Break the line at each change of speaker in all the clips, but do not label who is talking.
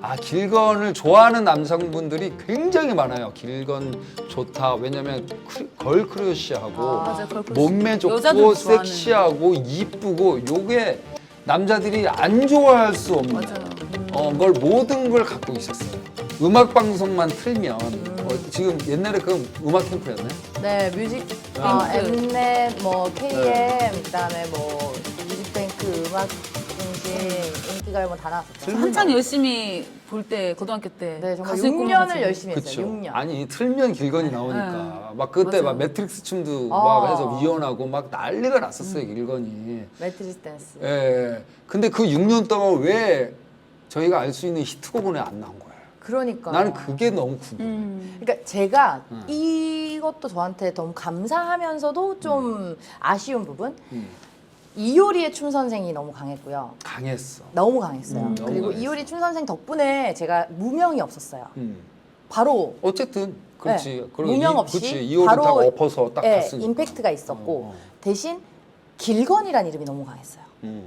아, 길건을 좋아하는 남성분들이 굉장히 많아요. 길건 좋다. 왜냐면 걸크러쉬하고
맞아, 걸크러쉬.
몸매
여자들
좋고
좋아하는.
섹시하고 이쁘고 요게 남자들이 안 좋아할 수 없는
맞아요.
걸 모든 걸 갖고 있었어요. 음악 방송만 틀면 지금 옛날에 그 음악 캠프였나요?
네, 뮤직, 엠넷, 뭐 KM, 그다음에 뭐 뮤직뱅크, 음악 중심, 인기가요 뭐 다 나왔었죠.
한창 열심히 볼 때 고등학교 때
네, 정말
가수의 꿈을
6년을
가지고.
열심히 했어요.
그쵸.
6년.
아니 틀면 길건이 나오니까 막 그때
맞아요.
막 매트릭스 춤도
어.
막 해서 위연하고 막 난리가 났었어요 길건이.
매트리스 댄스.
예. 근데 그 6년 동안 왜 저희가 알 수 있는 히트곡은 왜 안 나온 거예요?
그러니까.
나는 그게 너무 궁금해.
그러니까 제가 이것도 저한테 너무 감사하면서도 좀 아쉬운 부분. 이효리의 춤 선생이 너무 강했고요.
강했어.
너무 강했어요.
너무
그리고
강했어.
이효리 춤 선생 덕분에 제가 무명이 없었어요. 바로
어쨌든 그렇지.
네,
그리고
무명 없이
그렇지. 이효리
바로
딱 엎어서 딱
네,
갔으니까.
임팩트가 있었고
어.
대신 길건이라는 이름이 너무 강했어요.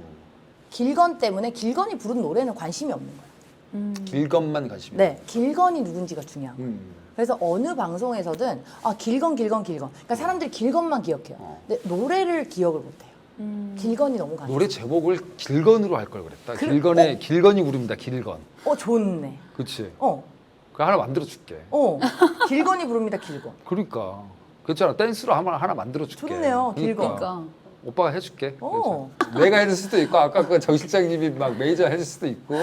길건 때문에 길건이 부른 노래는 관심이 없는 거예요.
길건만 가시면.
네, 길건이 누군지가 중요한 거예요.
음.
그래서 어느 방송에서든 아 길건. 그러니까 사람들이 길건만 기억해요. 근데 노래를 기억을 못해요. 길건이 너무 강해요.
노래 제목을 길건으로 할 걸 그랬다.
그래,
길건에 길건이 부릅니다. 길건.
좋네.
그렇지.
어,
그 하나 만들어 줄게.
길건이 부릅니다. 길건.
그러니까. 그렇잖아. 댄스로 하나 만들어 줄게.
좋네요, 길건.
그러니까.
오빠가 해줄게.
어.
그래서 내가 해줄 수도 있고 아까 그 정 실장님이 막 매니저 해줄 수도 있고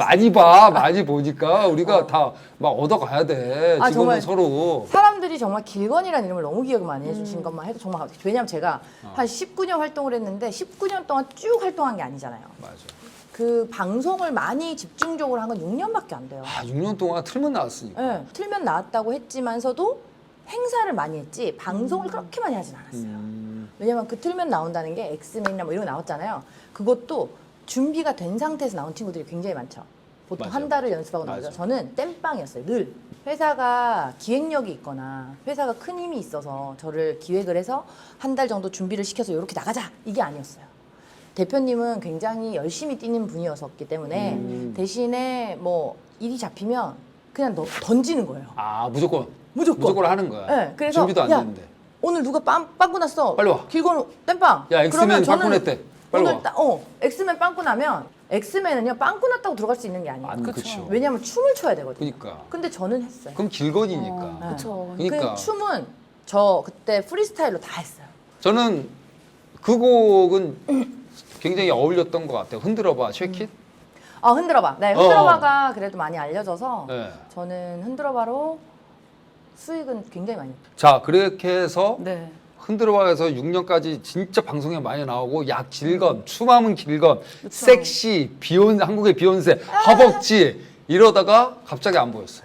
많이 보니까 우리가 다 막 얻어가야 돼.
아,
지금은
정말.
서로.
사람들이 정말 길건이라는 이름을 너무 기억을 많이 해주신 것만 해도 정말 왜냐면 제가 한 19년 활동을 했는데 19년 동안 쭉 활동한 게 아니잖아요.
맞아.
그 방송을 많이 집중적으로 한 건 6년밖에 안 돼요.
아 6년 동안 틀면 나왔으니까.
네, 틀면 나왔다고 했지만서도 행사를 많이 했지 방송을 그렇게 많이 하진 않았어요. 왜냐면 그 틀면 나온다는 게 엑스맨이나 뭐 이런 거 나왔잖아요. 그것도 준비가 된 상태에서 나온 친구들이 굉장히 많죠. 보통
맞아.
한 달을 연습하고 나오죠.
맞아.
저는 땜빵이었어요. 늘 회사가 기획력이 있거나 회사가 큰 힘이 있어서 저를 기획을 해서 한 달 정도 준비를 시켜서 이렇게 나가자 이게 아니었어요. 대표님은 굉장히 열심히 뛰는 분이었기 때문에 대신에 뭐 일이 잡히면 그냥 던지는 거예요.
아 무조건.
무조건.
하는 거야.
네, 그래서
준비도 안
야,
되는데.
오늘 누가 빵꾸 났어.
빨리 와.
길건 땜빵.
야, 엑스맨
그러면 저는
빵꾸 냈대. 빨리
오늘
와.
엑스맨 빵꾸 나면 엑스맨은요 빵꾸 났다고 들어갈 수 있는 게 아니에요.
안 그쵸.
왜냐하면 춤을 춰야 되거든요.
그러니까.
근데 저는 했어요.
그럼 길건이니까.
네.
그쵸.
그러니까.
그 춤은 저 그때 프리스타일로 다 했어요.
저는 그 곡은 굉장히 어울렸던 것 같아요. 흔들어봐, 쉐킷.
흔들어봐. 네, 흔들어봐가 그래도 많이 알려져서
네.
저는 흔들어봐로 수익은 굉장히 많이 했어요.
자, 그렇게 해서
네.
흔들어봐에서 6년까지 진짜 방송에 많이 나오고 야 길건, 춤하면 길건, 섹시, 한국의 비욘세, 허벅지 이러다가 갑자기 안 보였어요.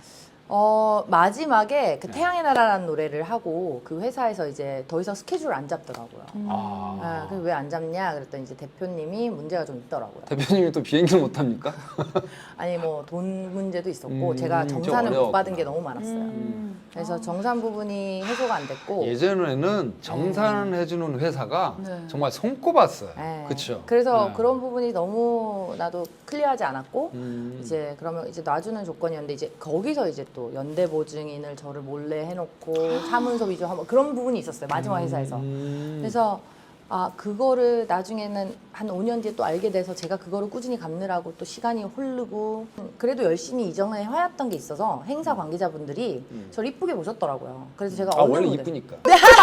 마지막에
네.
그 태양의 나라라는 노래를 하고 그 회사에서 이제 더 이상 스케줄을 안 잡더라고요.
아,
왜 안 잡냐 그랬더니 이제 대표님이 문제가 좀 있더라고요.
대표님이 또 비행기를 못 합니까?
아니 뭐 돈 문제도 있었고 제가
좀
정산을 못 받은
어려웠구나.
게 너무 많았어요. 그래서 정산 부분이 해소가 안 됐고
예전에는 정산을 해주는 회사가
네.
정말 손꼽았어요.
네.
그렇죠.
그래서 그런 부분이 너무 나도 클리어하지 않았고
음.
이제 그러면 이제 놔주는 조건이었는데 이제 거기서 이제 또 연대 보증인을 저를 몰래 해놓고 사문서 위조하고 그런 부분이 있었어요. 마지막 회사에서. 그래서 그거를 나중에는 한 5년 뒤에 또 알게 돼서 제가 그거를 꾸준히 갚느라고 또 시간이 흐르고 그래도 열심히 이전에 해왔던 게 있어서 행사 관계자분들이 저를 이쁘게 보셨더라고요. 그래서 제가 어느
원래
무대-
이쁘니까.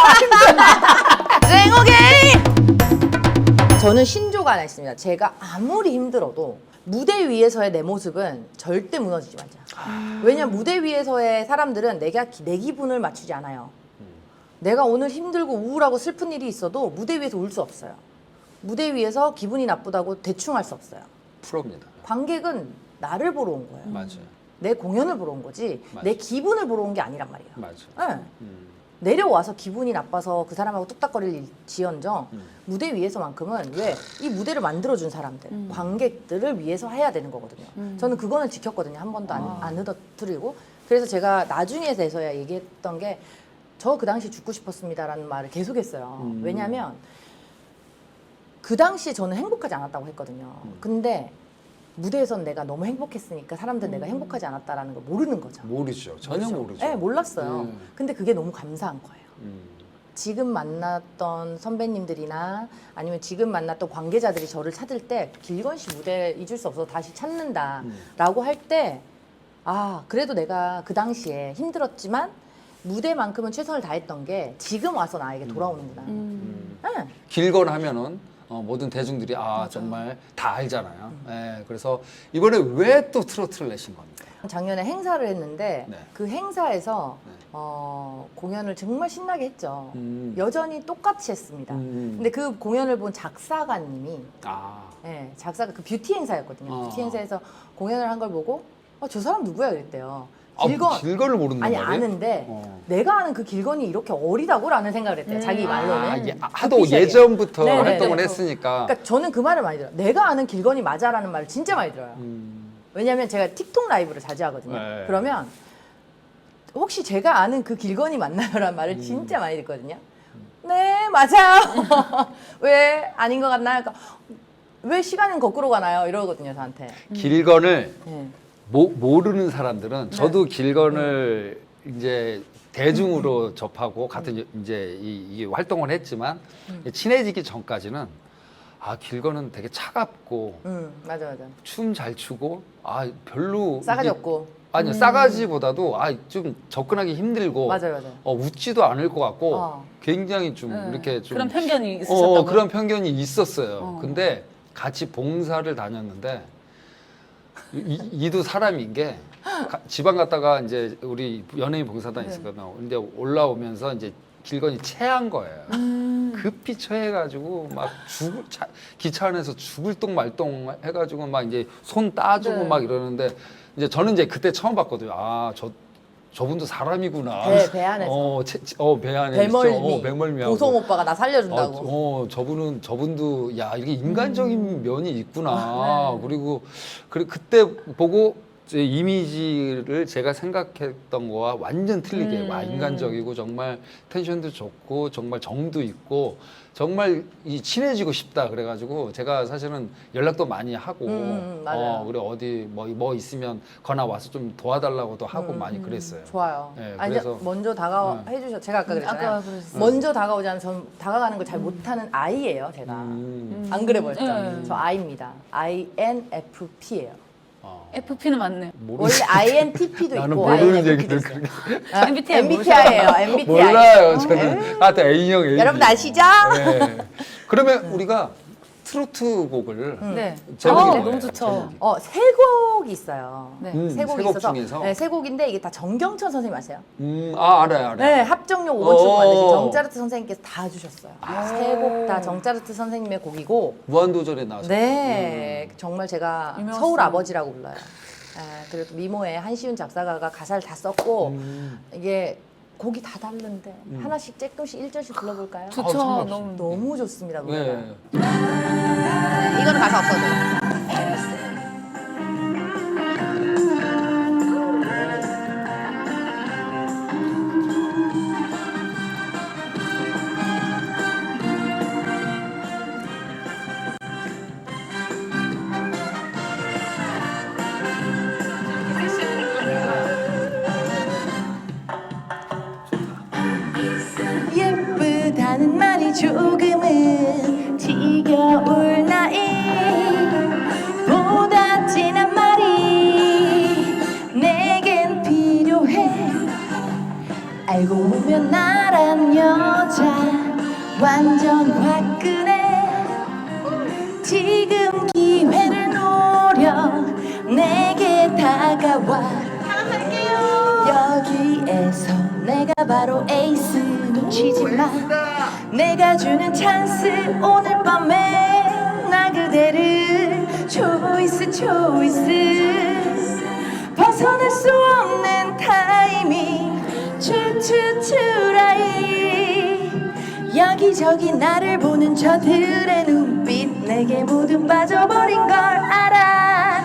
저는 신조가 하나 있습니다. 제가 아무리 힘들어도 무대 위에서의 내 모습은 절대 무너지지 말자. 왜냐면 무대 위에서의 사람들은 내 기분을 맞추지 않아요. 내가 오늘 힘들고 우울하고 슬픈 일이 있어도 무대 위에서 울 수 없어요. 무대 위에서 기분이 나쁘다고 대충 할 수 없어요.
프로입니다.
관객은 나를 보러 온 거예요.
맞아요.
내 공연을 보러 온 거지
맞아.
내 기분을 보러 온 게 아니란 말이에요.
맞아요.
네. 내려와서 기분이 나빠서 그 사람하고 뚝딱거릴 지언정 무대 위에서만큼은 왜 이 무대를 만들어준 사람들 관객들을 위해서 해야 되는 거거든요. 저는 그거는 지켰거든요. 한 번도 안 흐더뜨리고 그래서 제가 나중에 돼서야 얘기했던 게 저 그 당시 죽고 싶었습니다라는 말을 계속했어요. 왜냐하면 그 당시 저는 행복하지 않았다고 했거든요. 근데 무대에선 내가 너무 행복했으니까 사람들은 내가 행복하지 않았다라는 걸 모르는 거죠.
모르죠. 전혀 모르죠.
네, 몰랐어요. 근데 그게 너무 감사한 거예요.
음.
지금 만났던 선배님들이나 아니면 지금 만났던 관계자들이 저를 찾을 때 길건 씨 무대 잊을 수 없어서 다시 찾는다라고 할 때 아, 그래도 내가 그 당시에 힘들었지만 무대만큼은 최선을 다했던 게 지금 와서 나에게 돌아오는구나. 네.
길건 하면은 모든 대중들이 정말 다 알잖아요. 예, 그래서 이번에 왜 또 트로트를 내신 겁니까?
작년에 행사를 했는데
네.
그 행사에서
네.
공연을 정말 신나게 했죠.
음.
여전히 똑같이 했습니다. 근데 그 공연을 본 작사가님이 작사가 그 뷰티 행사였거든요. 뷰티 행사에서 공연을 한 걸 보고 저 사람 누구야 그랬대요.
길건을 모른단
아니
말이에요?
아는데 내가 아는 그 길건이 이렇게 어리다고라는 생각을 했대요. 자기 말로는.
하도
뷰티샵에.
예전부터
네네네.
활동을 했으니까.
그러니까 저는 그 말을 많이 들어요. 내가 아는 길건이 맞아라는 말을 진짜 많이 들어요. 왜냐면 제가 틱톡 라이브를 자주 하거든요.
네.
그러면 혹시 제가 아는 그 길건이 맞나요라는 말을 진짜 많이 듣거든요. 네, 맞아요. 왜 아닌 것 같나요? 그러니까 왜 시간은 거꾸로 가나요? 이러거든요, 저한테.
길건을
네.
모르는 사람들은 저도 길건을 이제 대중으로 접하고 같은 이제 이 활동을 했지만 친해지기 전까지는 길건은 되게 차갑고
맞아.
춤 잘 추고 별로
싸가지
이게-
없고.
아니요 싸가지보다도 좀 접근하기 힘들고
맞아요.
웃지도 않을 것 같고 굉장히 좀
네.
이렇게 좀
그런 편견이 있으셨다고요?
그런 편견이 있었어요. 근데 같이 봉사를 다녔는데 이도 사람인 게 지방 갔다가 이제 우리 연예인 봉사단 있었거든요. 근데 올라오면서 이제 길건이 체한 거예요. 급히 체해가지고 막 기차 안에서 죽을 똥 말똥 해가지고 막 이제 손 따주고
네.
막 이러는데 이제 저는 이제 그때 처음 봤거든요. 저분도 사람이구나.
배 안에서.
배 안에
배멀미.
배멀미하고.
보성 오빠가 나 살려준다고.
저분도 이렇게 인간적인 면이 있구나. 그리고 그때 보고 제 이미지를 제가 생각했던 거와 완전 틀리게 인간적이고 정말 텐션도 좋고 정말 정도 있고 정말 친해지고 싶다 그래가지고 제가 사실은 연락도 많이 하고
맞아요.
그래 어디 뭐 있으면 거나 와서 좀 도와달라고도 하고 많이 그랬어요.
좋아요.
네,
아니,
그래서
먼저 해주셔. 제가 아까 그랬잖아요.
아까 그랬어요.
먼저 다가오지 않은 전 다가가는 걸 잘 못하는 아이예요, 제가. 안 그래 보였죠?
네.
저 I입니다. INFP예요.
FP는 맞네요.
원래 INTP도
나는
있고
모르는
INFP도
얘기를
있어요.
그렇게
MBTI
MBTI예요. MBTI.
몰라요. 저는 또 A형 A.
여러분 아시죠?
네. 그러면 우리가 트로트 곡을
네.
제목이
네,
뭐예요?
너무 좋죠.
제목이.
세 곡이 있어요.
네.
세 곡이
세 곡
있어서
중에서?
네, 세 곡인데 이게 다 정경천 선생님 아세요?
알아요.
네, 합정용 5번 출고 만드신
오.
정짜르트 선생님께서 다 주셨어요. 세 곡 다 정짜르트 선생님의 곡이고
무한도전에 나왔어요.
네, 정말 제가
유명하시죠.
서울 아버지라고 불러요. 그리고 미모의 한시윤 작사가가 가사를 다 썼고 이게 곡이 다 다른데 하나씩 조금씩 1절씩 불러볼까요?
좋죠.
상관없어요.
너무
좋습니다 노래가.
네.
이거는 가사 없어도 예쁘다는 말이 조금은 지겨울 나이 보다 진한 말이 내겐 필요해 알고 보면 나란 여자 완전 화끈해 지금 기회를 노려 내게 다가와 여기에서 내가 바로 에이스 놓치지 마 내가 주는 찬스 오늘 밤에 나 그대를 초이스 벗어날 수 없는 타이밍 추추추라이 여기저기 나를 보는 저들의 눈빛 내게 모두 빠져버린 걸 알아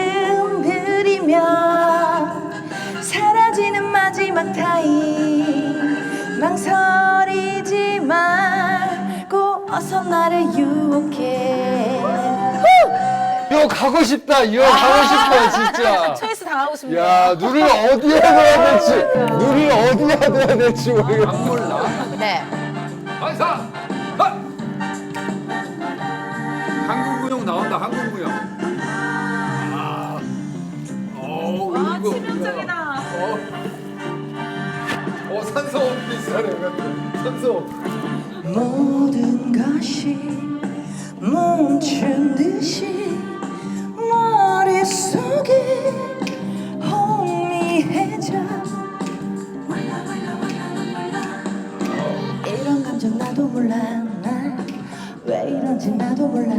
뜸들이며 사라지는 마지막 타임 망설이지 말고 어서 나를 유혹해
이거 가고 싶다. 이거 가고 싶어 진짜.
초이스 당하고 싶네요.
야, 눈을 어디에 둬야 될지, 눈을 어디에 둬야 될지 모르겠어. 안 몰라.
네.
반사. 한국무용 나온다. 한국무용.
와, 치명적이다.
산소호흡 비슷하네. 산소호흡.
모든 것이 멈춘 듯이 머릿속이 혼미해져. 이런 감정 나도 몰라. 난 왜 이런지 나도 몰라.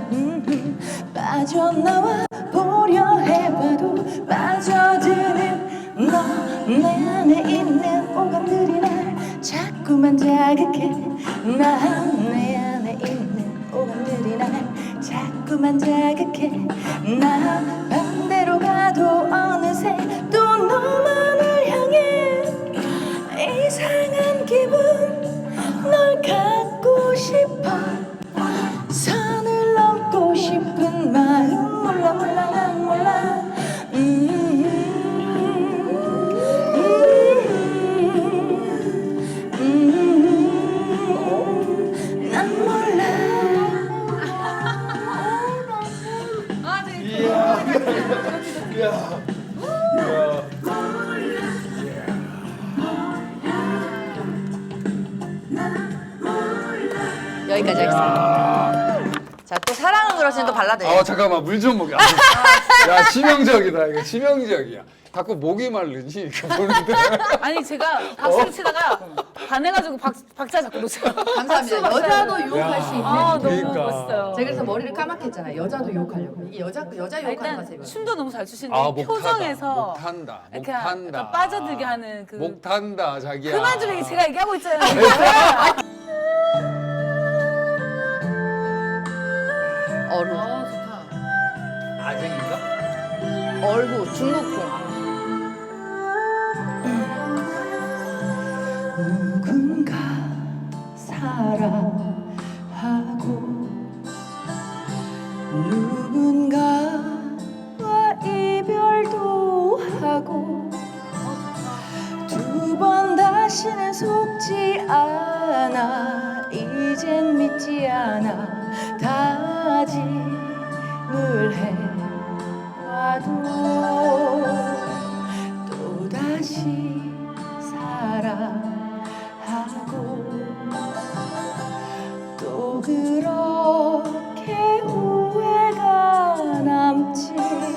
빠져나와 보려 해봐도 빠져드는 너. 내 안에 있는 오감들이 날 자꾸만 자극해. 난 내 안에 있는 오감들이 날 자꾸만 자극해. 나 반대로 가도 어느새 또 너만을 향해 이상한 기분. 널 갖고 싶어. 선을 넘고 싶은 마음 몰라 몰라 난 몰라. 난 몰라. 여기까지 하겠습니다. 자, 또 사랑은 그러시는 또 발라드예요.
잠깐만 물 좀 먹여. 야, 치명적이다. 이거 치명적이야. 자꾸 목이 마르지 이렇게 보는데.
아니 제가 박수를 치다가 반해가지고 박자 자꾸 놓쳐요.
감사합니다. 여자도 유혹할 수 있는.
아, 너무
그러니까.
멋있어요.
제가 그래서 머리를 까맣게 했잖아요. 여자도 유혹하려고. 이게 여자 유혹하는
일단
맛이에요.
춤도 너무 잘 추시는데
목
표정에서
목 탄다. 목
이렇게
탄다.
약간 빠져들게 하는 그
목 탄다 자기야.
그만 좀 제가 얘기하고 있잖아요.
어루.
좋다.
아쟁인가?
얼구 중국풍. 누군가 사랑하고 누군가와 이별도 하고 두 번 다시는 속지 않아. 이젠 믿지 않아. 다짐을 해와도 또다시 사랑하고 또 그렇게 후회가 남지.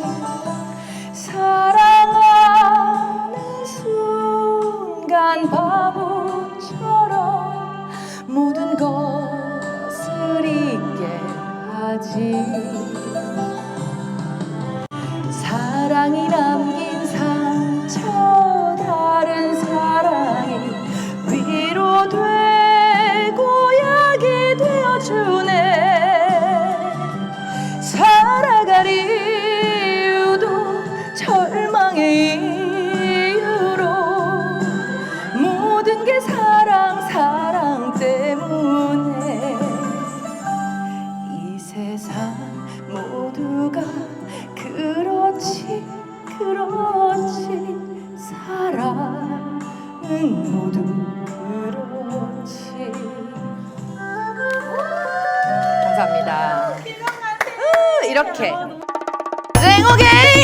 사랑하는 순간 바보처럼 모든 것을 잊게 하지. 사랑이 남긴 상처 다른 사랑이 위로되고 약이 되어주네. 살아갈 이유도 절망의 이유로 모든 게 사랑 때문에 이 세상 모두가 그렇지 사랑은 모두 그렇지. 감사합니다. 이렇게 쟁오게이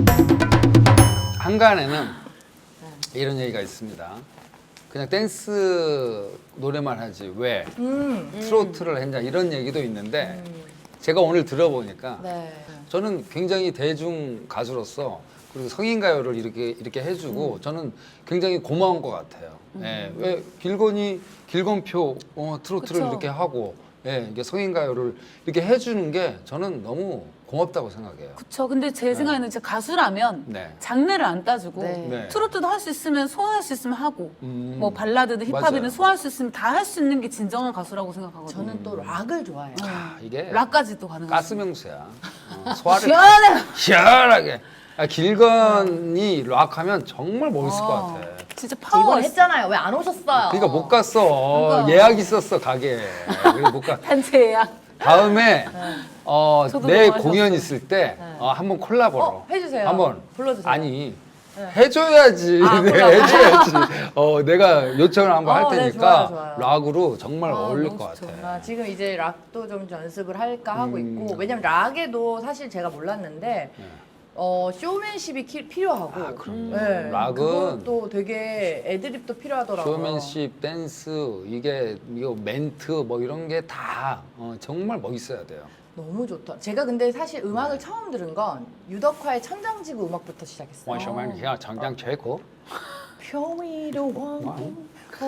한간에는 이런 얘기가 있습니다. 그냥 댄스 노래만 하지 왜 트로트를 했냐 이런 얘기도 있는데 제가 오늘 들어보니까
네.
저는 굉장히 대중 가수로서 그리고 성인 가요를 이렇게 해주고 저는 굉장히 고마운 것 같아요. 예, 왜 길건표 트로트를
그쵸.
이렇게 하고 이게 성인 가요를 이렇게 해주는 게 저는 너무 고맙다고 생각해요.
그쵸. 근데 제 생각에는 진짜 가수라면
네.
장르를 안 따지고
네.
네.
트로트도 할 수 있으면 소화할 수 있으면 하고 뭐
음.
발라드든 힙합이든
맞아요.
소화할 수 있으면 다 할 수 있는 게 진정한 가수라고 생각하거든요.
저는 또 락을 좋아해요.
이게
락까지도 가능해요.
가스명수야. 소화를
시원해.
시원하게. 길건이 락하면 정말 멋있을 것 같아.
진짜 파워
이번
있어.
했잖아요. 왜 안 오셨어요?
그러니까 못 갔어.
그러니까.
예약 있었어 가게. 그래서 못 가.
단체 예약.
다음에
저도
내
너무
공연
하셨어요.
있을 때
네.
한번 콜라보로
해주세요.
한번
불러주세요.
아니
네.
해줘야지.
아,
내가
콜라보.
해줘야지. 내가 요청을 한번 할
네,
테니까
좋아요.
락으로 정말
아,
어울릴
너무
것
좋죠.
같아.
지금 이제 락도 좀 연습을 할까 하고 있고
음.
왜냐면 락에도 사실 제가 몰랐는데
네.
쇼맨십이 필요하고
아, 그럼요.
네,
락은
그것도 되게 애드립도 필요하더라고요.
쇼맨십, 댄스 이거 멘트 뭐 이런 게 다 정말 멋있어야 돼요.
너무 좋다. 제가 근데 사실 음악을 처음 들은 건 유덕화의 천장지구 음악부터 시작했어요.
원쇼맨 그냥 장장 최고.
평위로 왕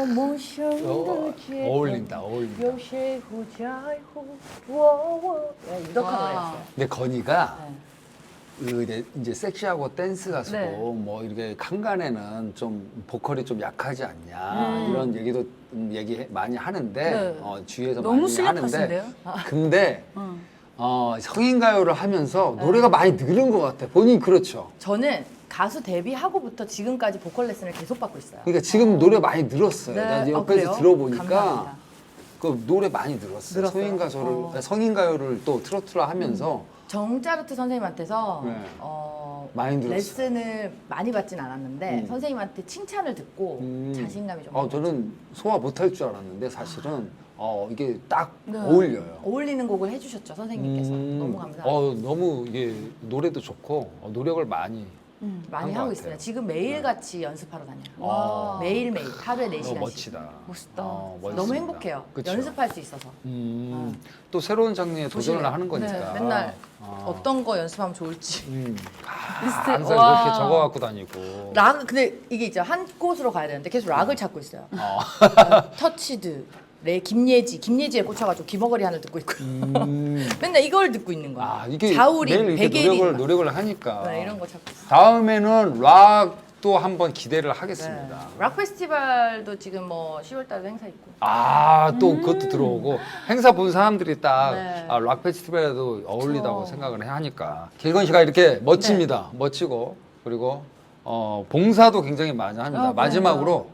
어울린다.
유덕화 노래였어요.
근데 건이가
네.
이제 섹시하고 댄스 가수고
네.
뭐 이렇게 칸간에는 좀 보컬이 좀 약하지 않냐 이런 얘기도 얘기 많이 하는데
네.
주위에서
너무
많이 하는데
실력하신데요?
근데 성인 가요를 하면서
네.
노래가 많이 늘은 것 같아. 본인 그렇죠.
저는 가수 데뷔하고부터 지금까지 보컬 레슨을 계속 받고 있어요.
그러니까 지금 노래 많이 늘었어요.
네.
나 이제
아,
옆에서
그래요?
들어보니까
감사합니다.
그 노래 많이 늘었어요.
늘었어요?
성인 가요를 또 트로트로 하면서
정짜르트 선생님한테서
네. 많이 늘었어요.
레슨을 많이 받진 않았는데
음.
선생님한테 칭찬을 듣고 자신감이 좀
저는 소화 못할 줄 알았는데 사실은 이게 딱
네.
어울려요.
어울리는 곡을 해주셨죠 선생님께서. 너무 감사합니다.
너무 이게 노래도 좋고 노력을 많이
많이
것
하고
같아요.
있어요. 지금 매일같이 연습하러 다녀요.
와.
매일매일 하루에 4시간씩.
너무 멋지다.
멋있다.
멋있습니다.
너무 행복해요.
그쵸?
연습할 수 있어서.
또 새로운 장르에 도전을
조심해요.
하는 거니까.
네, 맨날
아.
어떤 거 연습하면 좋을지.
리스트,
항상
와.
그렇게 적어 갖고 다니고.
락 근데 이게 있죠. 한 곳으로 가야 되는데 계속 락을 찾고 있어요. 터치드, 김예지에 꽂혀가지고 귀머거리 하늘 듣고 있고요. 맨날 이걸 듣고 있는 거예요.
이게
자우림,
매일 이렇게
베게린
노력을 하니까.
네, 이런 거 찾고 있어요.
다음에는 락도 한번 기대를 하겠습니다.
네. 락 페스티벌도 지금 뭐 10월달에 행사 있고.
또 그것도 들어오고 행사 본 사람들이 딱
네.
락 페스티벌에도 어울리다고
그쵸.
생각을 하니까 길건 씨가 이렇게 멋집니다. 멋지고 그리고 봉사도 굉장히 많이 합니다. 마지막으로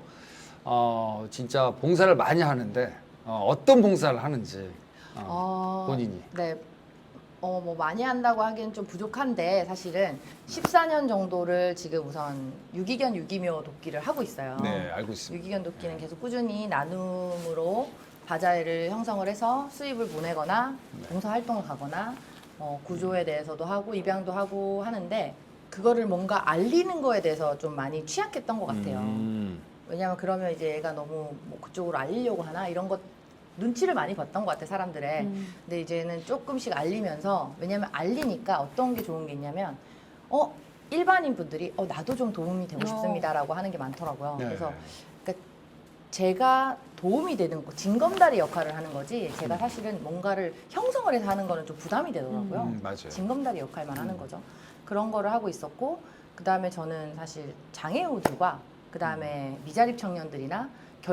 진짜 봉사를 많이 하는데 어떤 봉사를 하는지 본인이.
네. 뭐 많이 한다고 하기엔 좀 부족한데 사실은 14년 정도를 지금 우선 유기견 유기묘 돕기를 하고 있어요.
네, 알고 있습니다.
유기견 돕기는 계속 꾸준히 나눔으로 바자회를 형성을 해서 수입을 보내거나 봉사활동을 가거나 구조에 대해서도 하고 입양도 하고 하는데 그거를 뭔가 알리는 거에 대해서 좀 많이 취약했던 것 같아요. 왜냐하면 그러면 이제 얘가 너무 뭐 그쪽으로 알리려고 하나 이런 것 눈치를 많이 봤던 것 같아 사람들의. 근데 이제는 조금씩 알리면서 왜냐하면 알리니까 어떤 게 좋은 게 있냐면 일반인 분들이 나도 좀 도움이 되고 싶습니다라고 하는 게 많더라고요.
네.
그래서 그러니까 제가 도움이 되는 거, 징검다리 역할을 하는 거지 제가 사실은 뭔가를 형성을 해서 하는 거는 좀 부담이 되더라고요.
맞아요.
징검다리 역할만 하는 거죠. 그런 거를 하고 있었고 그 다음에 저는 사실 장애우들과 그 다음에 미자립 청년들이나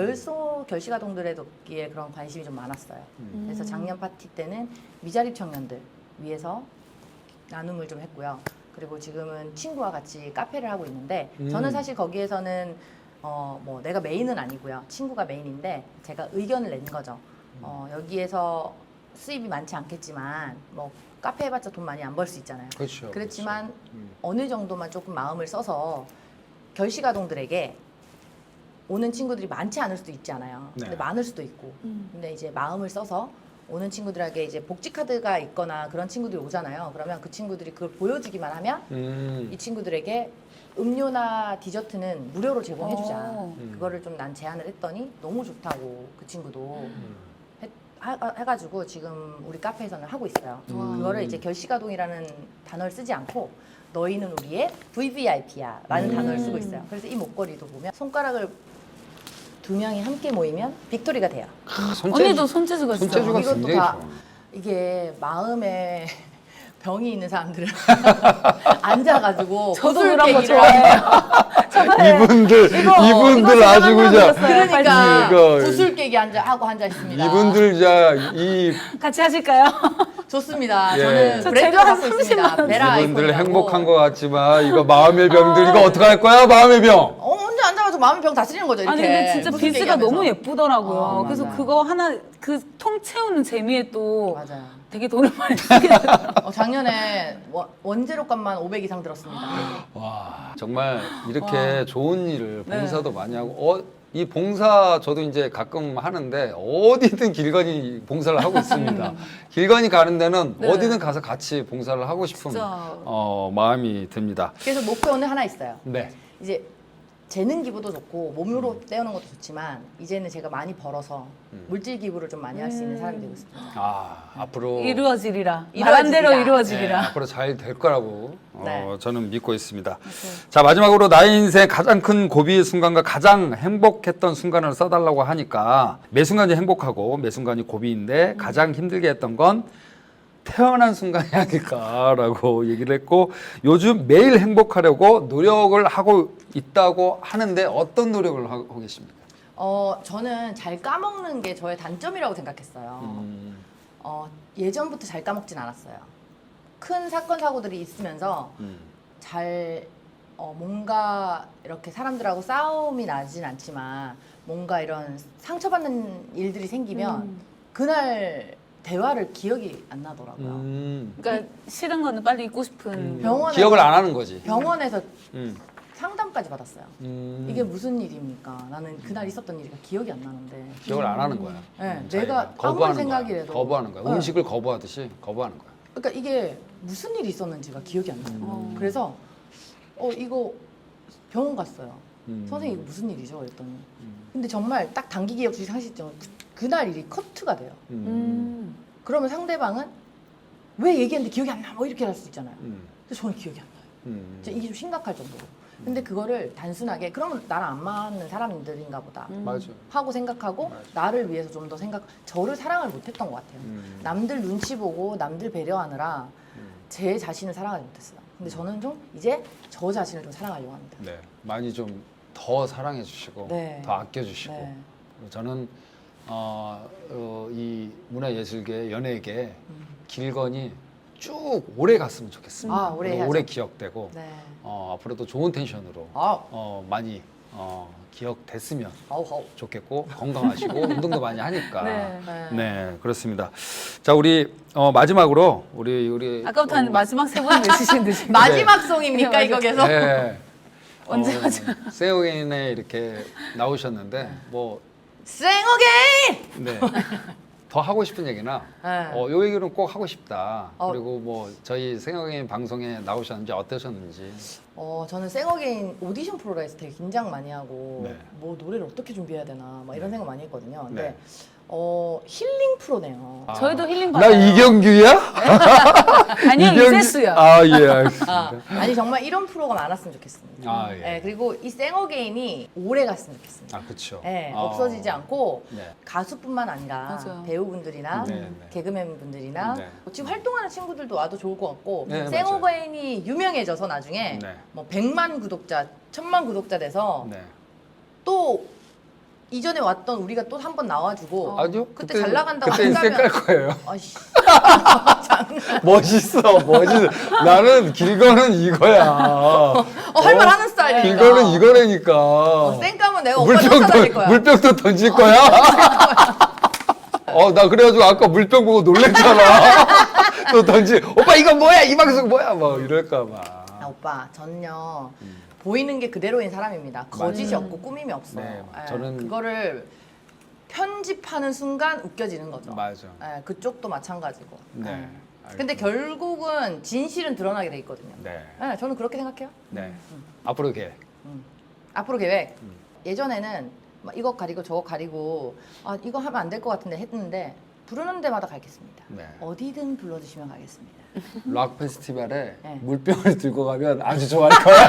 결식아동들의 돕기에 그런 관심이 좀 많았어요. 그래서 작년 파티 때는 미자립 청년들 위해서 나눔을 좀 했고요. 그리고 지금은 친구와 같이 카페를 하고 있는데 저는 사실 거기에서는 뭐 내가 메인은 아니고요. 친구가 메인인데 제가 의견을 낸 거죠. 여기에서 수입이 많지 않겠지만 뭐 카페 해봤자 돈 많이 안 벌 수 있잖아요.
그렇죠.
그렇지만 어느 정도만 조금 마음을 써서 결식아동들에게 오는 친구들이 많지 않을 수도 있잖아요.
네.
근데 많을 수도 있고. 근데 이제 마음을 써서 오는 친구들에게 이제 복지 카드가 있거나 그런 친구들이 오잖아요. 그러면 그 친구들이 그걸 보여주기만 하면 이 친구들에게 음료나 디저트는 무료로 제공해주자. 그거를 좀 난 제안을 했더니 너무 좋다고 그 친구도 해가지고 지금 우리 카페에서는 하고 있어요. 그거를 이제 결식아동이라는 단어를 쓰지 않고 너희는 우리의 VVIP야 라는 단어를 쓰고 있어요. 그래서 이 목걸이도 보면 손가락을 2명이 함께 모이면 빅토리가 돼요.
언니도 손재주가 있어요.
손재주가
이것도
굉장히
다
좋아.
이게 마음에 병이 있는 사람들은 앉아가지고
저도
구슬
그런 거
깨기를
좋아해요.
이분들 아주 그냥
그러니까
이거-
구슬 깨기 하고 앉아 있습니다.
이분들 이
같이 하실까요?
좋습니다.
예.
저는
저
브랜드
제가 한
갖고 있습니다.
30만 원.
베라
이분들
아이콘이라고.
행복한 것 같지만 이거 마음의 병들 이거 어떻게 할 거야 마음의 병.
혼자 앉아가지고 마음의 병 다스리는 거죠. 이렇게.
아니 근데 진짜
구슬
비즈가
깨기하면서.
너무 예쁘더라고요. 그래서
맞아요.
그거 하나 그 통 채우는 재미에 또
맞아요.
되게 돈을 많이 쓰게 됐어요.
작년에 원재료값만 500 이상 들었습니다.
와 정말 이렇게 좋은 일을
네.
봉사도 많이 하고 이 봉사 저도 이제 가끔 하는데 어디든 길건이 봉사를 하고 있습니다. 길건이 가는 데는
네.
어디든 가서 같이 봉사를 하고 싶은
진짜.
마음이 듭니다.
그래서 목표는 하나 있어요.
네.
이제 재능 기부도 좋고 몸으로 떼우는 것도 좋지만 이제는 제가 많이 벌어서 물질 기부를 좀 많이 할 수 있는 사람이 되고 싶습니다.
앞으로
이루어지리라.
이루어지리라.
말한 대로
네,
이루어지리라.
앞으로 잘 될 거라고
네.
저는 믿고 있습니다. 자 마지막으로 나의 인생 가장 큰 고비의 순간과 가장 행복했던 순간을 써달라고 하니까 매 순간이 행복하고 매 순간이 고비인데 가장 힘들게 했던 건 태어난 순간이 아닐까라고 얘기를 했고 요즘 매일 행복하려고 노력을 하고 있다고 하는데 어떤 노력을 하고 계십니까?
저는 잘 까먹는 게 저의 단점이라고 생각했어요. 예전부터 잘 까먹진 않았어요. 큰 사건 사고들이 있으면서 잘 뭔가 이렇게 사람들하고 싸움이 나진 않지만 뭔가 이런 상처받는 일들이 생기면 그날 대화를 기억이 안 나더라고요.
그러니까 싫은 거는 빨리 잊고 싶은.
병원에
기억을 안 하는 거지.
병원에서
음.
상담까지 받았어요. 이게 무슨 일입니까? 나는 그날 있었던 일이 기억이 안 나는데.
기억을 안 하는 거야.
네,
자기가
내가 아무리
거부하는
생각이라도
거야. 거부하는 거야.
네.
음식을 거부하듯이 거부하는 거야.
그러니까 이게 무슨 일이 있었는지가 기억이 안 나요. 그래서 이거 병원 갔어요. 선생님 이거 무슨 일이죠? 그랬더니 근데 정말 딱 단기 기억 주식 상실증은 그날 일이 커트가 돼요. 그러면 상대방은 왜 얘기했는데 기억이 안 나? 뭐 이렇게 할 수 있잖아요. 근데 저는 기억이 안 나요. 진짜 이게 좀 심각할 정도로. 근데 그거를 단순하게 그러면 나랑 안 맞는 사람들인가 보다
맞아.
하고 생각하고
맞아.
나를 위해서 좀 더 저를 사랑을 못했던 것 같아요. 남들 눈치 보고 남들 배려하느라 제 자신을 사랑하지 못했어요. 근데 저는 좀 이제 저 자신을 좀 사랑하려고 합니다.
네. 많이 좀 더 사랑해 주시고
네.
더 아껴 주시고
네.
저는 이 문화예술계 연예계 길건이 쭉 오래 갔으면 좋겠습니다.
오래
그리고
해야죠.
오래 기억되고
네.
앞으로도 좋은 텐션으로 많이 기억됐으면
아우.
좋겠고 건강하시고 운동도 많이 하니까
네.
네 그렇습니다. 자 우리 마지막으로 우리
아까부터 한 마지막 세 번 외치신 듯이.
마지막 송입니까
네,
이거 계속?
네.
언제 하죠?
세오겐에 이렇게 나오셨는데 뭐
생어게인!
네. 더 하고 싶은 얘기나
네.
요 얘기는 꼭 하고 싶다.
어.
그리고 뭐 저희 생각의 방송에 나오셨는지 어떠셨는지.
저는 생어게인 오디션 프로그램에서 되게 긴장 많이 하고
네.
뭐 노래를 어떻게 준비해야 되나 막 이런 생각 많이 했거든요. 근데
네.
힐링 프로네요.
저희도 힐링
나
받아요.
이경규야?
아니요, 이세수야.
예, 알겠습니다.
아니 정말 이런 프로가 많았으면 좋겠습니다.
예.
네, 그리고 이 생어게인이 오래 갔으면 좋겠습니다.
그렇죠.
네, 없어지지 않고
네.
가수뿐만 아니라
맞아요.
배우분들이나
네, 네.
개그맨 분들이나
네.
지금 활동하는 친구들도 와도 좋을 것 같고
네,
생어게인이 유명해져서 나중에
네.
뭐 100만 구독자, 1000만 구독자 돼서
네.
또 이전에 왔던 우리가 또 한 번 나와주고
아니요.
그때 잘 나간다고
그때 인생 깔
한다면
거예요.
아이씨
멋있어. 나는 길거는 이거야.
할말 하는 스타일이니까
길거는 이거라니까.
쌩까면 내가 오빠 쫓아다닐 거야.
물병도 던질 거야. 나 그래가지고 아까 물병 보고 놀랬잖아. 또 오빠 이거 뭐야? 이 방송 뭐야? 막 이럴까 봐.
오빠 전요 보이는 게 그대로인 사람입니다. 거짓이 없고 꾸밈이 없어요.
네,
예,
저는-
그거를 편집하는 순간 웃겨지는 거죠.
맞아.
예, 그쪽도 마찬가지고.
네.
예. 근데 결국은 진실은 드러나게 돼 있거든요.
네.
예, 저는 그렇게 생각해요.
네. 앞으로 계획.
앞으로 계획. 예전에는 막 이거 가리고 저거 가리고 이거 하면 안 될 것 같은데 했는데 부르는 데마다 가겠습니다.
네.
어디든 불러주시면 가겠습니다.
락 페스티벌에
네.
물병을 들고 가면 아주 좋아할 거야.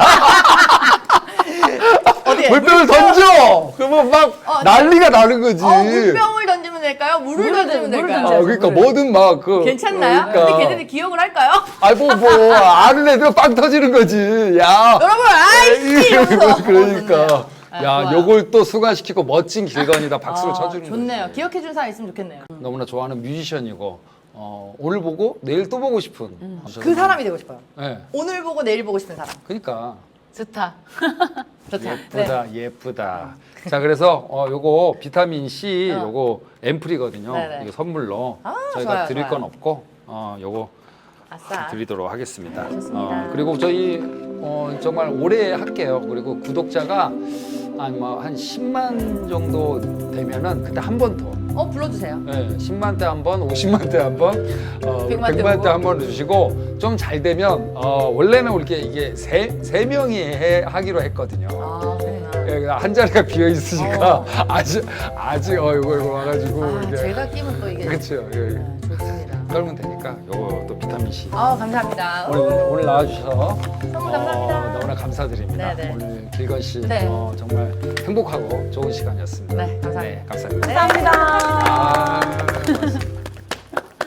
어디에?
물병을 던져. 그러면 막
네.
난리가 나는 거지.
물병을 던지면 될까요? 물을 던지면
물을
될까요?
던져야죠.
그러니까
물을.
뭐든 막
괜찮나요?
그러니까.
근데 걔네들 기억을 할까요?
뭐 아는 애들 빵 터지는 거지. 야.
여러분 아이씨 이러면서
그러니까.
좋네요.
야,
좋아요.
요걸 또 수강시키고 멋진 길건이다 박수를 쳐주는
좋네요.
거지.
기억해준 사람 있으면 좋겠네요.
너무나 좋아하는 뮤지션이고 오늘 보고 내일 또 보고 싶은
그 사람이 되고 싶어요.
네.
오늘 보고 내일 보고 싶은 사람.
그러니까
좋다. 좋다.
예쁘다, 예쁘다. 자, 그래서 요거 비타민 C 요거 앰플이거든요.
네네.
이거 선물로
아,
저희가
좋아요,
드릴
좋아요.
건 없고 요거
아싸.
드리도록 하겠습니다.
좋습니다.
그리고 저희 정말 오래 할게요. 그리고 구독자가 한 10만 정도 되면은 그때 한 번 더.
불러주세요.
네, 10만 대 한 번, 50만 대 한 번,
100만 대
100만 대 한 번 주시고 좀 잘 되면 원래는 이게 세 명이 하기로 했거든요.
아, 그렇구나.
예, 한 자리가 비어 있으니까 아직 이거 와가지고
아,
이게
제가 끼면 또 이게
그렇죠.
좋습니다.
떨면 되니까 요거 또 비타민 C.
감사합니다.
오늘 나와주셔서
너무 감사합니다.
너무나 감사드립니다.
네네.
오늘 길건 씨
네.
정말 행복하고 좋은 시간이었습니다.
네, 감사합니다.
감사합니다.
감사합니다.
아, 고맙습니다.